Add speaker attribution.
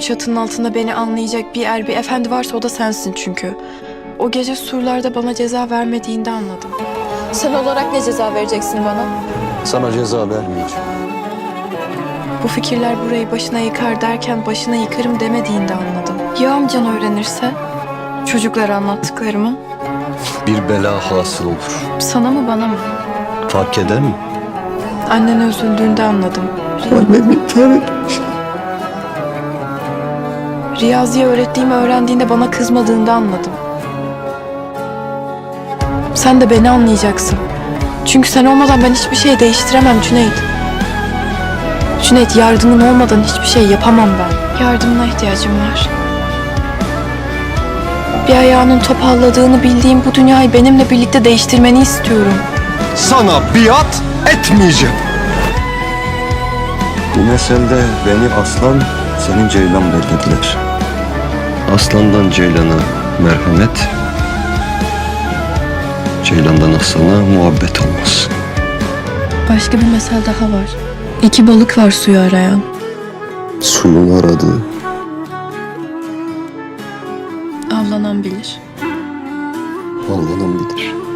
Speaker 1: çatının altında beni anlayacak bir er, bir efendi varsa o da sensin çünkü. O gece surlarda bana ceza vermediğinde anladım. Sen olarak ne ceza vereceksin bana?
Speaker 2: Sana ceza vermeyeceğim.
Speaker 1: Bu fikirler burayı başına yıkar derken başına yıkarım demediğinde anladım. Ya amcan öğrenirse? Çocuklara anlattıklarımı?
Speaker 2: Bir bela hasıl olur.
Speaker 1: Sana mı bana mı?
Speaker 2: Fark eder mi?
Speaker 1: Annen üzüldüğünde anladım.
Speaker 2: Annem intihar etmiş.
Speaker 1: Riyazi'ye öğrettiğimi öğrendiğinde bana kızmadığında anladım. Sen de beni anlayacaksın. Çünkü sen olmadan ben hiçbir şey değiştiremem Cüneyt. Cüneyt, yardımın olmadan hiçbir şey yapamam ben. Yardımına ihtiyacım var. Bir ayağının topalladığını bildiğim bu dünyayı benimle birlikte değiştirmeni istiyorum.
Speaker 2: Sana biat etmeyeceğim.
Speaker 3: Bu meselede beni aslan, senin ceylan belirlediler. Aslandan ceylana merhamet, ceylandan aslana muhabbet olmaz.
Speaker 1: Başka bir mesel daha var. İki balık var suyu arayan.
Speaker 3: Suyun aradığı,
Speaker 1: Avlanan bilir.
Speaker 3: avlanan bilir.